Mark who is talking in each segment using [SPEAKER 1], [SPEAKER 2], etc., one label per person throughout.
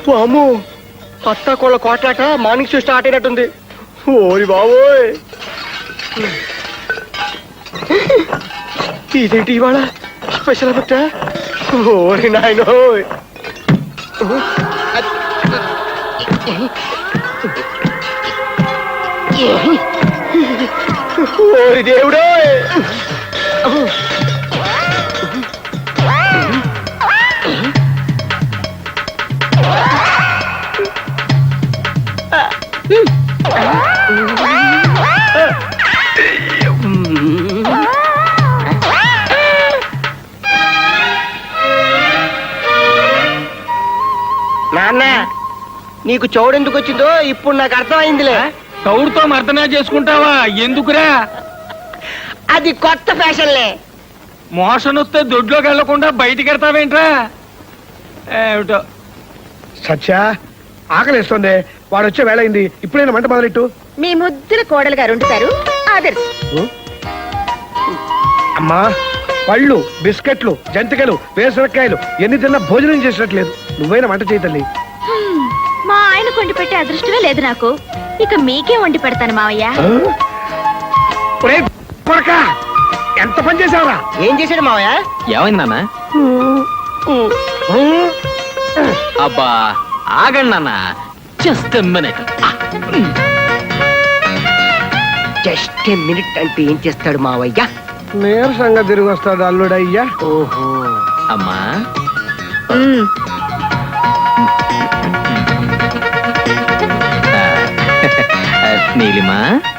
[SPEAKER 1] అమ్ము అత్త కోళ్ళ కోట్లాట morning show start అయినట్టుంది. ఓరి బాబోయ్, ఇదేంటి ఇవాళ స్పెషల్ ఎఫెక్టా? ఓరి నాయనోయ్, ఓరి దేవుడోయ్. నాన్న, నీకు చౌడెందుకు వచ్చిందో ఇప్పుడు నాకు అర్థమైందిలే.
[SPEAKER 2] చౌడుతో మర్దనా చేసుకుంటావా? ఎందుకురా?
[SPEAKER 1] అది కొత్త ఫ్యాషన్లే.
[SPEAKER 2] మోషన్ వస్తే దొడ్లోకి వెళ్లకుండా బయటికి వెళ్తావేంట్రా? ఏమిటో.
[SPEAKER 3] సత్య, ఆకలిస్తుంది, వాడు వచ్చే వేళయింది, ఇప్పుడైనా మంట మొదలెట్టు.
[SPEAKER 4] మీ ముద్దుల కోడలు గారు వండుతారు. ఆదర్శ్.
[SPEAKER 3] అమ్మా, పళ్ళు, బిస్కెట్లు, జంతికలు, వేసరకాయలు ఎన్ని తిన్నా భోజనం చేసినట్లేదు. నువ్వైనా వంట చేయి తల్లి.
[SPEAKER 4] మా ఆయన కొండి పెట్టే అదృష్టమే లేదు నాకు. ఇక మీకే వండి పెడతాను మావయ్య.
[SPEAKER 3] ఎంత పని చేసావురా?
[SPEAKER 1] ఏం చేశాడు మావయ్య?
[SPEAKER 2] ఏమైంది నాన్న? అబ్బా ఆగండి నాన్న, జస్ట్ మినిట్.
[SPEAKER 1] జస్ట్ మినిట్ అంటే ఏం చేస్తాడు మావయ్య?
[SPEAKER 3] నీరసంగా తిరిగి వస్తాడు అల్లుడయ్యా.
[SPEAKER 1] ఓహో.
[SPEAKER 2] అమ్మా, నీలిమా,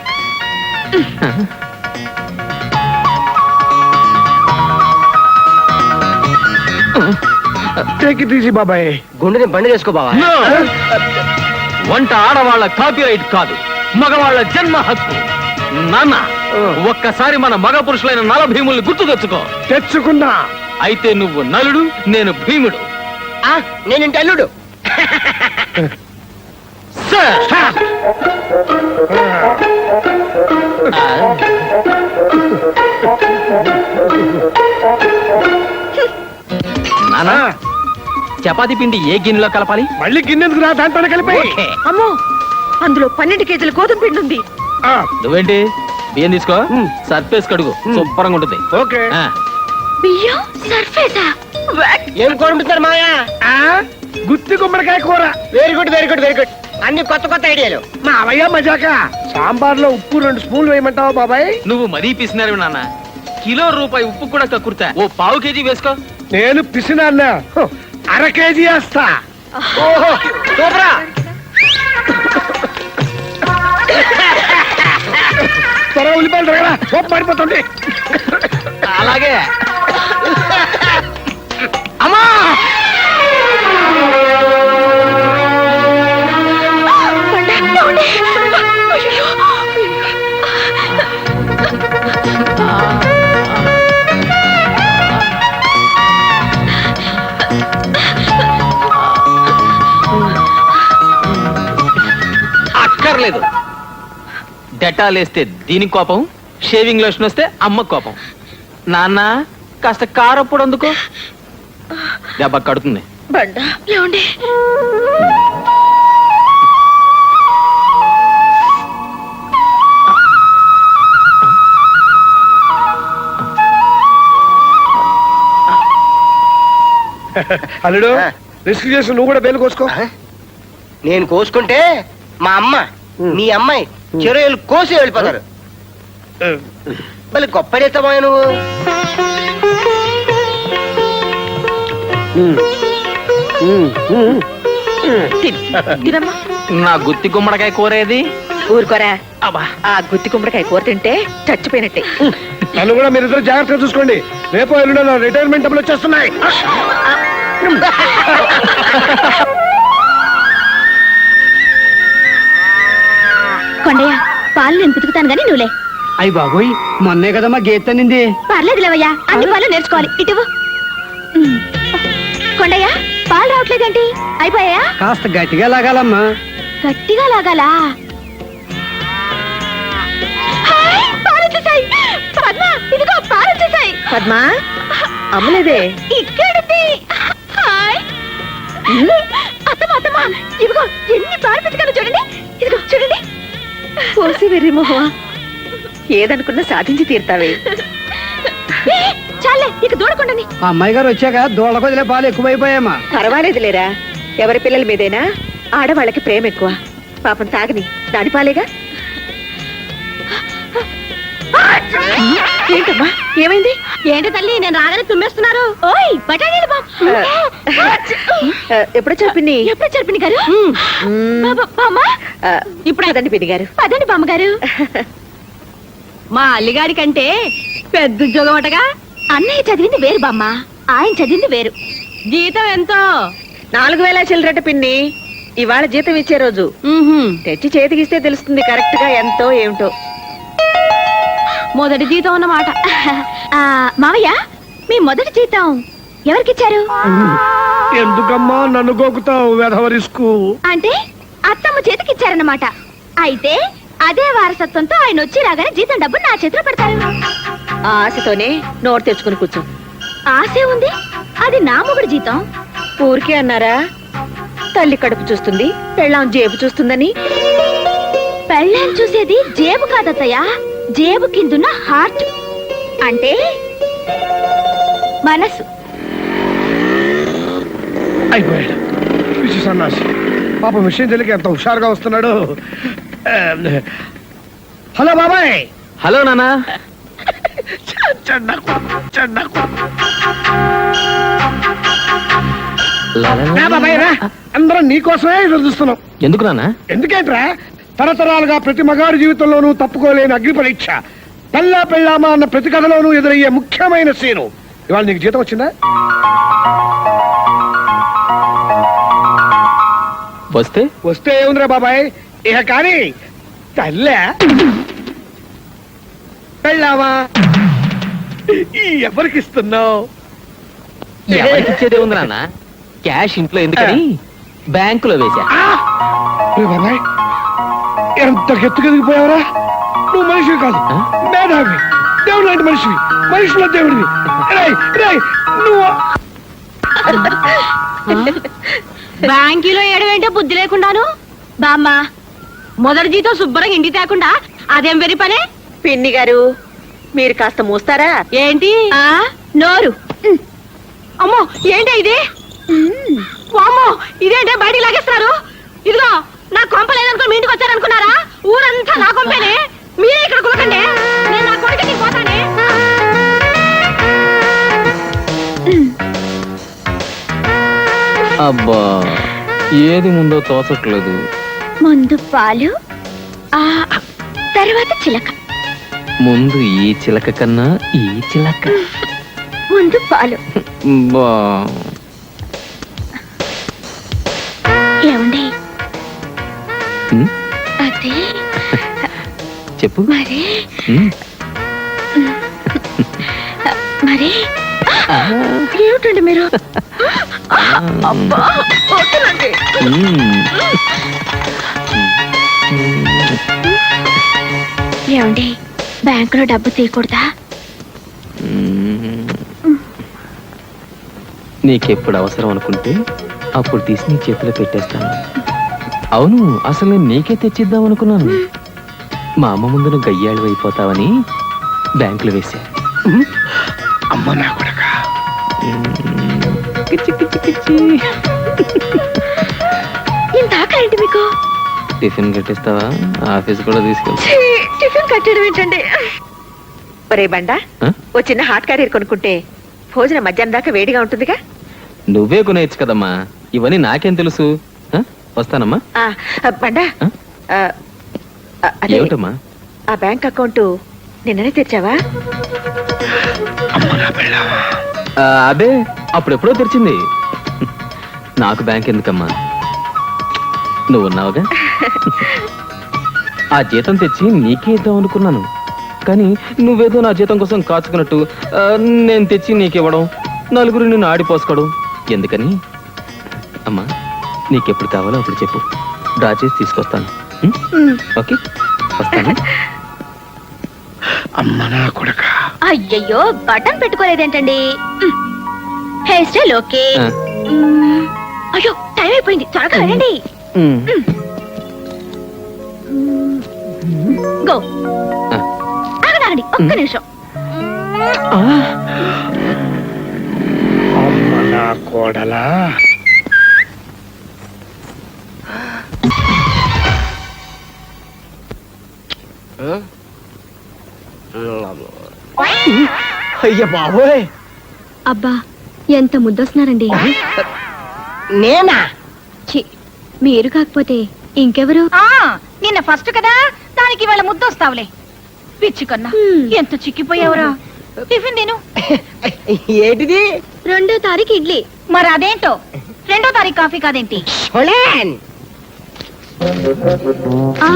[SPEAKER 3] టేకి తీసి బాబాయ్.
[SPEAKER 1] గుండెని బండి చేసుకో బావా.
[SPEAKER 2] వంట ఆడవాళ్ల కాపీరైట్ కాదు, మగవాళ్ల జన్మ హక్కు. నాన్న, ఒక్కసారి మన మగ పురుషులైన నల భీముల్ని గుర్తు తెచ్చుకో.
[SPEAKER 3] తెచ్చుకున్నా.
[SPEAKER 2] అయితే నువ్వు నలుడు, నేను భీముడు.
[SPEAKER 1] నేనింటి అల్లుడు.
[SPEAKER 2] నానా, చపాతీ పిండి ఏ గిన్నెలో కలపాలి?
[SPEAKER 3] మళ్ళీ గిన్నెందుకు రా, దాంట్లోనే కలిపి.
[SPEAKER 4] అమ్మో, అందులో 12 కేజీల గోధుమ పిండి ఉంది.
[SPEAKER 2] నువ్వేంటి బియ్యం తీసుకో, సర్ఫేస్ కడుగు, శుభ్రంగా ఉంటుంది.
[SPEAKER 3] ఓకే.
[SPEAKER 4] బియ్యం సర్ఫేసా?
[SPEAKER 1] ఏం కోరుకుంటున్నారు మాయా?
[SPEAKER 3] గుత్తి గుమ్మడికాయ కూర.
[SPEAKER 1] Very good, very good, very good. అన్ని కొత్త కొత్త ఐడియాలు.
[SPEAKER 3] మావయ్య మజాక. సాంబార్ లో ఉప్పు 2 స్పూన్లు వేయమంటావా బాబాయ్?
[SPEAKER 2] నువ్వు మరీ పిసినారు నాన్న. కిలో రూపాయి ఉప్పు కూడా కక్కుర్తా. ఓ పావు కేజీ వేసుకో.
[SPEAKER 3] నేను పిసినా, 1/2 కేజీ వేస్తా.
[SPEAKER 1] ఓహో, సూపరా.
[SPEAKER 3] త్వరగా ఉల్లిపాయలు తరగరా, సోపు పడిపోతుంది.
[SPEAKER 2] అలాగే.
[SPEAKER 1] అమ్మా,
[SPEAKER 2] అక్కర్లేదు. డెటాల్ వేస్తే దీనికి కోపం, షేవింగ్ లోషన్ వస్తే అమ్మ కోపం. నాన్న, కాస్త కారప్పుడు అందుకో, దెబ్బ కడుతుంది.
[SPEAKER 3] అల్లుడు, రిస్క్ చేసి నువ్వు కూడా బేలు కోసుకో.
[SPEAKER 1] నేను కోసుకుంటే మా అమ్మ, మీ అమ్మాయి చెరువులు కోసి వెళ్ళిపోతారు. మళ్ళీ గొప్పడేస్తామా నువ్వు?
[SPEAKER 2] నా గుత్తి గుమ్మడికాయ కూరేది?
[SPEAKER 4] ఊరుకోరా. ఆ గుత్తి గుమ్మడికాయ కూర తింటే చచ్చిపోయినట్టే.
[SPEAKER 3] నన్ను కూడా మీరిద్దరు జాగ్రత్తగా చూసుకోండి. రేపు ఎల్లుండో నా రిటైర్మెంట్ డబ్బులు వచ్చేస్తున్నాయి.
[SPEAKER 4] కొండయ్య, పాలు నేను పితుకుతాను గానీ నువ్వులే.
[SPEAKER 5] అయ్యి బాబోయ్, మొన్నే కదమ్మా గేట్ తన్నింది.
[SPEAKER 4] పర్లేదు లేవయ్యా, అన్ని పాలు నేర్చుకోవాలి. ఇటు కొండయ్య, పాలు రావట్లేదేంటి? అయిపోయా?
[SPEAKER 5] కాస్త గట్టిగా లాగాలమ్మా.
[SPEAKER 4] గట్టిగా లాగాలా? ఇదిగో పాలు వచ్చేసాయి. పద్మా, అమ్మలేదే. ఇక్కడ అత్తమ్మ బామ్మ ఇదిగో ఎన్ని పారిపెట్టుకాలో చూడండి, ఇదిగో చూడండి.
[SPEAKER 6] పోసి వెర్రి మొహ, ఏదనుకున్నా సాధించి తీరుతావే.
[SPEAKER 4] ఏ, చాలే ఇక దూడకుండాని.
[SPEAKER 5] ఆ అమ్మాయి గారు వచ్చాక దూడ కొదిలే పాలు ఎక్కువైపోయామా.
[SPEAKER 6] పర్వాలేదు లేరా, ఎవరి పిల్లల మీదైనా ఆడవాళ్ళకి ప్రేమ ఎక్కువ. పాపం తాగని దాని పాలేగా. ఏంటమ్మా ఏమైంది?
[SPEAKER 4] ఏంటి తల్లి నేను రాగానే తుమ్మేస్తున్నారు? ఓయ్ బఠానీలు
[SPEAKER 6] ఎప్పుడో చెప్పింది.
[SPEAKER 4] ఎప్పుడు చెప్పింది గారు? బామ్మ
[SPEAKER 6] ఇప్పుడు అదండి పిన్ని గారు.
[SPEAKER 4] పదండి బామ్మగారు.
[SPEAKER 6] మా అల్లిగారి కంటే పెద్ద ఉద్యోగం అటగా.
[SPEAKER 4] అన్నయ్య చదివింది వేరు బామ్మ, ఆయన చదివింది వేరు.
[SPEAKER 6] జీతం ఎంతో? 4000 చిల్లరట పిన్ని. ఇవాళ జీతం ఇచ్చే రోజు. తెచ్చి చేతికిస్తే తెలుస్తుంది కరెక్ట్ గా ఎంతో ఏమిటో.
[SPEAKER 4] మొదటి జీతం అన్నమాట. మావయ్య మీ మొదటి జీతం ఎవరికిచ్చారు?
[SPEAKER 3] ఎందుకమ్మా నన్ను గోకుతావు వెధవరిస్కు?
[SPEAKER 4] అంటే అత్తమ్మ చేతికిచ్చారన్నమాట. అయితే అదే వారసత్వంతో ఆయన వచ్చి రాగానే జీతం డబ్బు నా చేతిలో పెడతారు.
[SPEAKER 6] ఆ ఆశతోనే నోటు తెచ్చుకుని కూర్చో.
[SPEAKER 4] ఆశే ఉంది, అది నా మొగుడు జీతం.
[SPEAKER 6] ఊరికే అన్నారా? తల్లి కడుపు చూస్తుంది, పెళ్ళాం జేబు చూస్తుందని.
[SPEAKER 4] పెళ్ళాన్ని చూసేది జేబు కాదత్తయ్య, జేబు కిందున్న హార్ట్ అంటే మనసు.
[SPEAKER 3] అయిపోయాడు పిచ్చి సన్నాసి. పాప విషయం తెలియక ఎంత హుషారుగా వస్తున్నాడు. హలో బాబాయ్.
[SPEAKER 2] హలో నానా.
[SPEAKER 3] రా బాబాయ్ రా, అందరం నీకోసమే ఎదురు చూస్తున్నాం.
[SPEAKER 2] ఎందుకు నానా?
[SPEAKER 3] ఎందుకేంట్రా, తరతరాలుగా ప్రతి మగాడి జీవితంలోనూ తప్పుకోలేని అగ్ని పరీక్ష, పెళ్ళా పెళ్ళామా అన్న ప్రతి కథలోనూ ఎదురయ్యే ముఖ్యమైన సీను. ఇవాళ నీకు జీతం వచ్చిందా?
[SPEAKER 2] వస్తే
[SPEAKER 3] వస్తే ఏముందిరా బాబాయ్, ఇక కానీ తల్లే పెళ్ళామా ఎవరికి ఇస్తున్నావు?
[SPEAKER 2] ఎవరికి ఇచ్చేదే ఉంది నాన్న. క్యాష్ ఇంట్లో ఎందుకని బ్యాంకులో వేశా.
[SPEAKER 3] బాబాయ్ ఎంత గెత్తుకెదిగిపోయావరా. నువ్వు మనిషివి కాదు, మేధావి, దేవుడు లాంటి మనిషివి, మనుషుల దేవుడివి. నువ్వు
[SPEAKER 4] బ్యాంకీలో ఏడవేంటే బుద్ధి లేకుండాను. బామ్మ మొదటి జీతం శుభ్రంగా ఇంటికి తేకుండా అదేం వెరి పనే?
[SPEAKER 6] పిన్ని గారు మీరు కాస్త మూస్తారా?
[SPEAKER 4] ఏంటి నోరు? అమ్మో ఏంటి ఇది? అమ్మో ఇదేంటే బయటికి లాగేస్తున్నారు? ఇదిగో నా కొంప లేదనుకో మీ ఇంటికి వచ్చారనుకున్నారా? ఊరంతా నా కొంపేనే, మీరే ఇక్కడ కులకండి. నేను నా కొడుకుని పోతానే.
[SPEAKER 2] అబ్బా ఏది ముందో తోచట్లేదు.
[SPEAKER 4] ముందు పాలు, తర్వాత చిలక.
[SPEAKER 2] ముందు ఈ చిలక కన్నా ఈ చిలక.
[SPEAKER 4] ముందు పాలు.
[SPEAKER 2] బా
[SPEAKER 4] ఏమండి
[SPEAKER 2] ఉమ్,
[SPEAKER 4] అదే
[SPEAKER 2] చెప్పు.
[SPEAKER 4] మరి
[SPEAKER 2] ఉమ్,
[SPEAKER 4] మరి ఏమిటండి మీరు? అబ్బా వద్దులండి.
[SPEAKER 2] ఉమ్.
[SPEAKER 4] ఏమండి బ్యాంకులో డబ్బు తీయకూడదా?
[SPEAKER 2] నీకెప్పుడు అవసరం అనుకుంటే అప్పుడు తీసి నీ చేతిలో పెట్టేస్తాను. అవును, అసలు నేను నీకే తెచ్చిద్దాం అనుకున్నాను. మా అమ్మ ముందు నువ్వు గయ్యాళ్ళు అయిపోతావని బ్యాంకులో వేశా.
[SPEAKER 3] అమ్మ నా కొడక.
[SPEAKER 4] ఇంత ఆకలేంటి మీకు?
[SPEAKER 2] టిఫిన్ కట్టిస్తావా? ఆఫీస్ కూడా తీసుకెళ్తా.
[SPEAKER 4] టిఫిన్ కట్టడం ఏంటండి?
[SPEAKER 6] ఒరే బండా,
[SPEAKER 2] ఆ?
[SPEAKER 6] ఓ చిన్న హాట్ క్యారియర్ కొనుక్కుంటే భోజనం మధ్యాహ్నం దాకా వేడిగా ఉంటుందిగా.
[SPEAKER 2] నువ్వే కొనేయచ్చు కదమ్మా, ఇవన్నీ నాకేం తెలుసు. ఆ? వస్తానమ్మా.
[SPEAKER 6] బండా
[SPEAKER 2] ఆ?
[SPEAKER 6] అదే,
[SPEAKER 2] ఏమిటమ్మా?
[SPEAKER 6] ఆ బ్యాంక్ అకౌంట్ నిన్ననే తెచ్చావా?
[SPEAKER 2] అదే అప్పుడెప్పుడో తెరిచింది. నాకు బ్యాంక్ ఎందుకమ్మా, నువ్వు ఉన్నావుగా. ఆ జీతం తెచ్చి నీకే ఇద్దాం అనుకున్నాను, కానీ నువ్వేదో నా జీతం కోసం కాచుకున్నట్టు నేను తెచ్చి నీకివ్వడం, నలుగురు నిన్ను ఆడిపోసుకోవడం ఎందుకని. అమ్మా నీకెప్పుడు కావాలో అప్పుడు చెప్పు, డ్రా చేసి తీసుకొస్తాను. ఓకే వస్తాను.
[SPEAKER 3] అమ్మ నా కొడక.
[SPEAKER 4] అయ్యయ్యో బటన్ పెట్టుకోలేదేంటండి? Hair style okay.
[SPEAKER 2] ఆ.
[SPEAKER 4] అయ్యో టైం అయిపోయింది, త్వరగా వెళ్ళండి. గో. ఆగండి, ఒక్క నిమిషం.
[SPEAKER 3] అమ్మ నా కోడలా.
[SPEAKER 1] అయ్య బాబోయ్,
[SPEAKER 4] అబ్బా ఎంత ముద్దొస్తున్నారండి.
[SPEAKER 1] నేనా?
[SPEAKER 4] ఛీ, మీరు కాకపోతే ఇంకెవరు? నిన్న ఫస్ట్ కదా, దానికి ఇవాళ ముద్దొస్తావులే. పిచ్చి కన్నా ఎంత చిక్కిపోయావురా. టిఫిన్ నేను
[SPEAKER 1] ఏంటిది?
[SPEAKER 4] 2వ తారీఖు ఇడ్లీ. మరి అదేంటో 2వ తారీఖు కాఫీ కాదేంటి?
[SPEAKER 1] షోలేన్.
[SPEAKER 4] ఆ,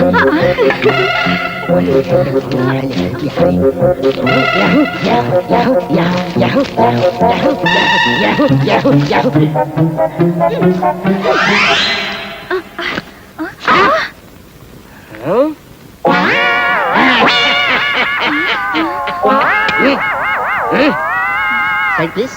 [SPEAKER 1] Side please.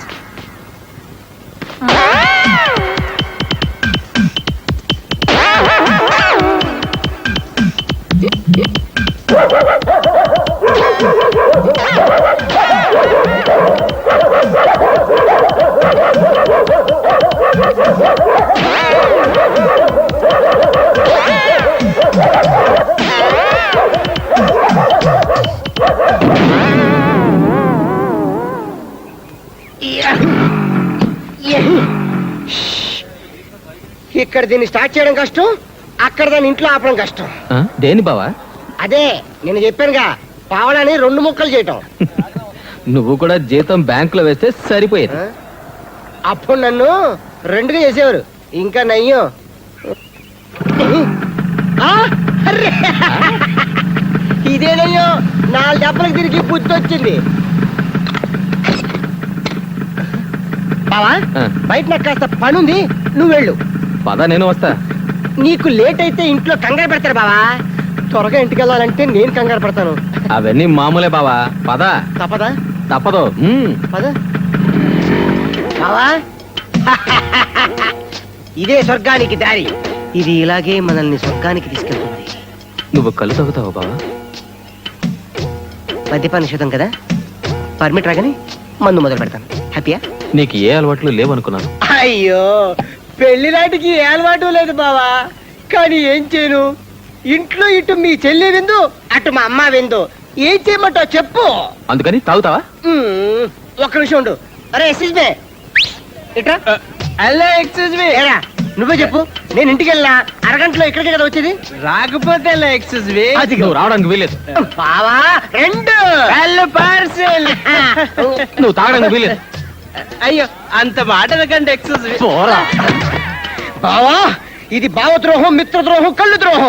[SPEAKER 1] ఇక్కడ దీన్ని స్టార్ట్ చేయడం కష్టం, అక్కడ దాన్ని ఇంట్లో ఆపడం కష్టం.
[SPEAKER 2] దేని బావా?
[SPEAKER 1] అదే నేను చెప్పానుగా, పావడాన్ని 2 ముక్కలు చేయటం.
[SPEAKER 2] నువ్వు కూడా జీతం బ్యాంకులో వేస్తే సరిపోయేది.
[SPEAKER 1] అప్పుడు నన్ను 2గా చేసేవారు, ఇంకా నయ్యం. అర్రే! ఇదే నయ్యం, 4 దెబ్బలకు తిరిగి బుద్ధి వచ్చింది. బావా, బయట నాకు కాస్త పని ఉంది, నువ్వు వెళ్ళు.
[SPEAKER 2] పద, నేను వస్తా.
[SPEAKER 1] నీకు లేట్ అయితే ఇంట్లో కంగారు పెడతారు బావా. త్వరగా ఇంటికి వెళ్ళాలంటే నేను కంగారు పడతాను.
[SPEAKER 2] అవన్నీ మామూలే బావా. పద.
[SPEAKER 1] తప్పదా?
[SPEAKER 2] తప్పదు.
[SPEAKER 1] పద బావా. ఇదే స్వర్గానికి దారి. ఇది ఇలాగే మనల్ని స్వర్గానికి తీసుకెళ్తుంది.
[SPEAKER 2] నువ్వు కళ్ళు తాగుతావు బావా?
[SPEAKER 1] మద్యపాన నిషేధం కదా, పర్మిట్ రాగానే మందు మొదలు పెడతాను. హ్యాపీయా?
[SPEAKER 2] నీకు ఏ అలవాట్లు లేవనుకున్నాను.
[SPEAKER 1] అయ్యో, పెళ్లి నాటికి ఏ అలవాటు లేదు బావా. కానీ ఏం చేయను, ఇంట్లో ఇటు మీ చెల్లి విందు, అటు మా అమ్మ విందు. ఏం చేయమంటావు చెప్పు.
[SPEAKER 2] అందుకని తాగుతావా?
[SPEAKER 1] ఒక్క నిమిషం ఉండు. అరే ఎక్స్క్యూజ్ మీ, ఇట్రా.
[SPEAKER 5] Hello, excuse me.
[SPEAKER 1] ఏరా, నువ్వే చెప్పు. నేను ఇంటికి వెళ్ళా అరగంటలో ఇక్కడికే కదా వచ్చేది.
[SPEAKER 5] రాకపోతే ఎక్స్క్యూజ్ మీ.
[SPEAKER 1] అది
[SPEAKER 2] నువ్వు రావడానికి వీలేదు.
[SPEAKER 1] బావా 2
[SPEAKER 5] హలో, పార్సెల్.
[SPEAKER 2] నువ్వు తాగడానికి వీలేదు.
[SPEAKER 5] అయ్యో, అంత మాటలకంటే ఎక్స్క్యూజ్ మీ.
[SPEAKER 2] పోరా.
[SPEAKER 1] బావా, ఇది భావద్రోహం, మిత్రద్రోహం, కళ్ళు ద్రోహం.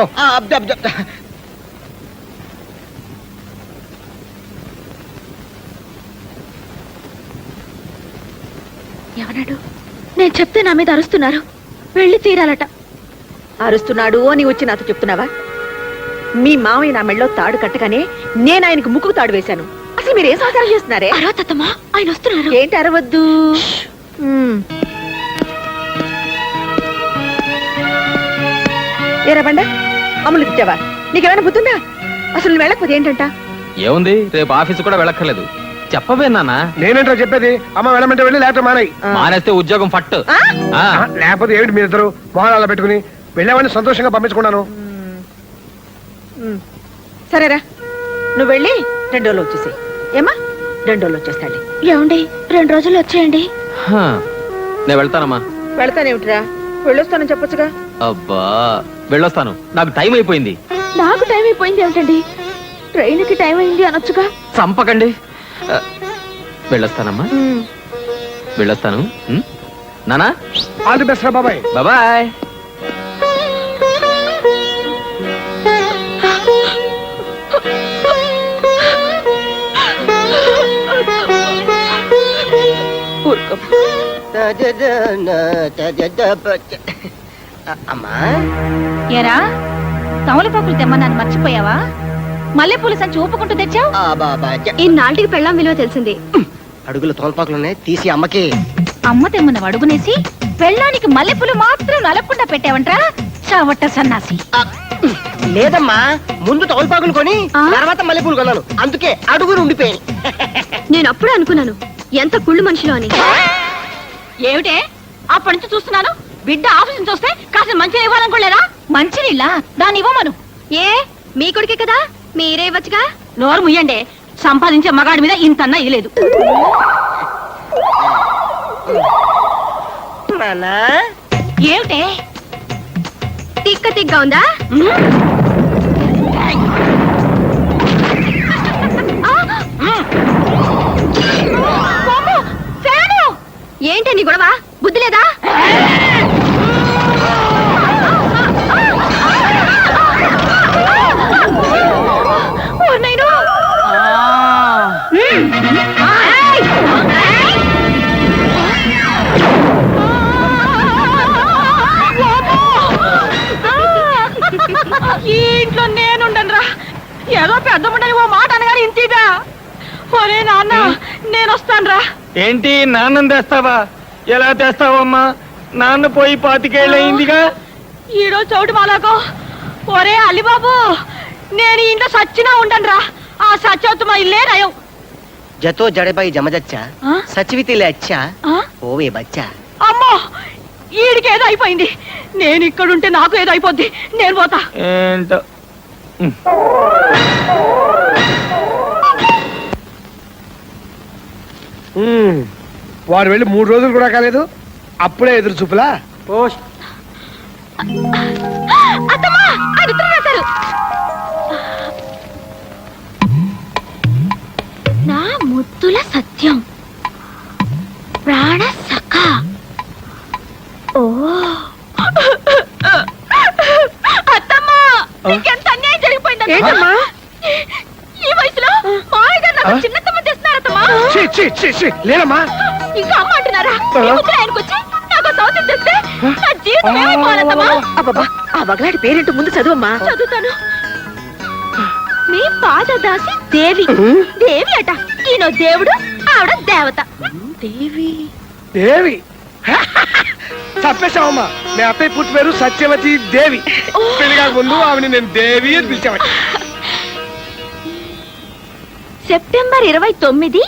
[SPEAKER 4] ఎవనాడు? నేను చెప్తే నా మీద అరుస్తున్నారు. వెళ్ళి తీరాలట.
[SPEAKER 6] అరుస్తున్నాడు అని వచ్చి నాతో చెప్తున్నావా? మీ మామయ్య నా మెళ్ళలో తాడు కట్టగానే నేను ఆయనకు ముక్కు తాడు వేశాను. అసలు మీరేం సహకారం చేస్తున్నారే?
[SPEAKER 4] అరవతమ్మా, ఆయన వస్తున్నారు.
[SPEAKER 6] ఏంటి అరవద్దు? ఏరా బండ, అమ్ములు తిట్టావా? నీకేమైనా బుద్ధుందా? అసలు నువ్వు వెళ్ళకపోతే ఏంటంట?
[SPEAKER 2] ఏముంది, రేపు ఆఫీసు కూడా వెళ్ళక్కర్లేదు. చెప్పవే నాన్న.
[SPEAKER 3] నేనేంటో చెప్పేది? అమ్మ వెళ్ళమంటే వెళ్ళి, లేకపోతే మానేయి.
[SPEAKER 2] మానేస్తే ఉద్యోగం ఫట్.
[SPEAKER 3] లేకపోతే ఏమిటి మీరిద్దరు మొహాలు పెట్టుకుని వెళ్ళామని సంతోషంగా పంపించుకున్నాను.
[SPEAKER 6] సరేరా, నువ్వు వెళ్ళి 2 రోజులు వచ్చేసి. ఏమా, 2 రోజులు వచ్చేస్తాండి.
[SPEAKER 4] ఏమండి, 2 రోజులు వచ్చేయండి.
[SPEAKER 2] నేను వెళ్తానమ్మా.
[SPEAKER 6] వెళ్తానేమిటిరా, వెళ్ళొస్తానని చెప్పొచ్చుగా.
[SPEAKER 2] అబ్బా, వెళ్ళొస్తాను, నాకు టైం అయిపోయింది.
[SPEAKER 4] నాకు టైం అయిపోయింది ఏమిటండి? ట్రైన్కి టైం అయింది అనొచ్చుగా.
[SPEAKER 2] చంపకండి. వెళ్ళొస్తానమ్మా, వెళ్ళొస్తాను. నానా,
[SPEAKER 3] ఆల్ ది బెస్ట్ రా బాబాయ్.
[SPEAKER 2] బాయ్.
[SPEAKER 1] అమ్మా,
[SPEAKER 4] ఏరా, తమలపాకులు తెమ్మన్నాను మర్చిపోయావా? మల్లెపూల సంచి ఊపుకుంటూ తెచ్చావు. ఇన్నాళ్ళకి పెళ్ళాం విలువ తెలిసింది.
[SPEAKER 1] అడుగులు తోల్పాకులున్నాయి, తీసి అమ్మకి.
[SPEAKER 4] అమ్మ తెమ్మన్న అడుగునేసి పెళ్ళానికి మల్లెపూలు మాత్రం నలకుండా పెట్టావంట్రా చావట్ట సన్నాసి.
[SPEAKER 1] లేదమ్మా, ముందు తోల్పాకులు కొని
[SPEAKER 4] ఆ?
[SPEAKER 1] తర్వాత మల్లెపూలు కొన్నాను, అందుకే అడుగురు ఉండిపోయాను.
[SPEAKER 4] నేను అప్పుడే అనుకున్నాను ఎంత కుళ్ళు మనిషిలో అని. ఏమిటే అప్పటి నుంచి చూస్తున్నాను, బిడ్డ ఆఫీస్ నుంచి వస్తే కాస్త మంచిగా ఇవ్వాలనుకోలేదా? మంచినీళ్ళ దాన్ని ఇవ్వమను. ఏ మీ కొడుకే కదా, మీరే ఇవ్వచ్చుగా. నోరు ముయ్యండి, సంపాదించే మగాడి మీద ఇంతన్నా ఇలేదు.
[SPEAKER 1] నాన్నా,
[SPEAKER 4] ఏమిటే తిక్క తిక్క ఉందా? ఏంటి నీ గొడవ? బుద్ధి లేదా? ఈ ఇంట్లో నేనుండనురా. ఏదో పెద్ద ముండని ఓ మాట అనగానే ఇంతీగా. ఒరే నాన్న, నేను వస్తానురా.
[SPEAKER 2] ఏంటి నాన్నం తెస్తావా? ఎలా తెస్తావమ్మా? నాన్న పోయి 25 ఏళ్ళయిందిగా.
[SPEAKER 4] ఈడో చౌటు మాలాకో. ఒరే అలిబాబు, నేను ఈ ఇంట్లో సచ్చినా ఉండనురా. ఆ సచ్చవుతు మా ఇల్లే నయం.
[SPEAKER 1] జతో జడబాయి జమజచ్చా
[SPEAKER 4] ఆ?
[SPEAKER 1] సచివితిలే అచ్చా
[SPEAKER 4] ఆ?
[SPEAKER 1] ఓవే బచ్చా.
[SPEAKER 4] అమ్మో, ఈడికి ఏదో అయిపోయింది. నేను ఇక్కడుంటే నాకు ఏదో అయిపోద్ది. నేను పోతా.
[SPEAKER 2] ఏంటో
[SPEAKER 3] వాడు వెళ్ళి 3 రోజులు కూడా కాలేదు, అప్పుడే ఎదురు చూపులా.
[SPEAKER 4] అత్తమ్మా, ఆయన ఉత్తరం రాశారు. నా ముద్దుల సత్యం, ప్రాణ సఖ. ఓ అత్తమ్మా, నీకెంత అన్యాయం జరిగిపోయిందమ్మా. ఈ వయసులో మామయ్య గారు నాకు చిన్నతమ్మ తెస్తున్నారత్తమ్మా.
[SPEAKER 3] ఛీ, ఛీ, ఛీ, ఛీ, లేదమ్మా.
[SPEAKER 4] ఇంకా అమ్మ అంటున్నారా? ఈ ముద్దులు ఆయనకు వచ్చి నాకు సౌత్యం తెస్తే నా జీవితం ఏమైపోవాలత్తమ్మా?
[SPEAKER 6] అబ్బబ్బా, ఆ బగలాడి పేరేంటో ముందు చదువమ్మా.
[SPEAKER 4] చదువుతాను. మీ పాదదాసి దేవి. దేవి అట. ఈయన దేవుడు, ఆవిడ దేవత.
[SPEAKER 6] దేవి.
[SPEAKER 3] దేవి తప్పేశావమ్మా. మీ అత్తయ్య పుట్టి పేరు సత్యవతి దేవి. పెళ్లిగాక ముందు ఆవిని నేను దేవి అని పిలిచామని.
[SPEAKER 4] సెప్టెంబర్ 29,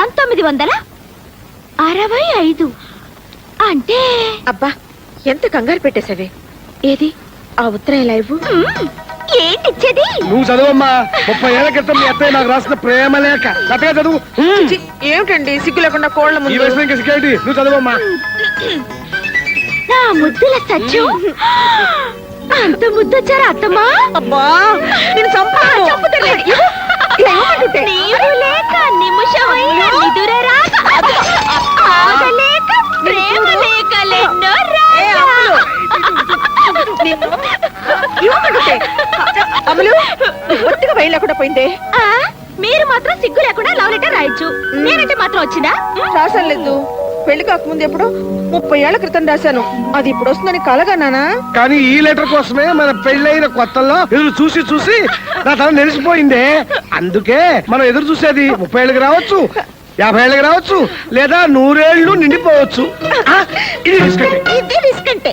[SPEAKER 4] 1965. అంటే
[SPEAKER 6] అబ్బా, ఎంత కంగారు పెట్టేశావే. ఏది ఆ ఉత్తరం ఎలా ఇవ్వు?
[SPEAKER 4] ఏంటి ఇచ్చేది?
[SPEAKER 3] నువ్వు చదువమ్మా. 30 ఏళ్ల క్రితం మీ అత్తయ్య నాకు రాసిన ప్రేమ లేఖ. చక్కగా చదువు.
[SPEAKER 6] ఛీ, ఏమిటండి సిగ్గు లేకుండా కోళ్ళ
[SPEAKER 3] ఈ
[SPEAKER 6] ముందు.
[SPEAKER 3] వయసులో ఇంకా సిగ్గేంటి? నువ్వు చదువమ్మా.
[SPEAKER 4] నా ముద్దుల సత్యం, అంత ముద్దొచ్చారా అత్తమ్మా?
[SPEAKER 6] అబ్బా, నేను చంపాను.
[SPEAKER 4] నీవు లేక నిమిషమైన నిదురరాక, ఆగలేక ప్రేమ లేకలెన్నో రాగా.
[SPEAKER 6] అమలు, ఒత్తిగా బయలు లేకుండా పోయిందే.
[SPEAKER 4] ఆ, మీరు మాత్రం సిగ్గు లేకుండా లవ్ లెటర్ రాయొచ్చు. నేనంటే మాత్రం వచ్చిందా?
[SPEAKER 6] రాసలేదు. పెళ్లి కాకముందు ఎప్పుడో 30 ఏళ్ల క్రితం రాశాను. అది ఇప్పుడు వస్తుందని కలగన్నానా?
[SPEAKER 3] కానీ ఈ లెటర్ కోసమే మన పెళ్ళైన కొత్తల్లో ఎదురు చూసి చూసి నా తల నెరిసిపోయిందే. అందుకే మనం ఎదురు చూసేది 30 ఏళ్ళకి రావచ్చు, 50 ఏళ్ళకి రావచ్చు, లేదా 100 ఏళ్ళు నిండిపోవచ్చు. ఇది తీసుకెళ్ళి.
[SPEAKER 4] ఇది రిస్క్ అంటే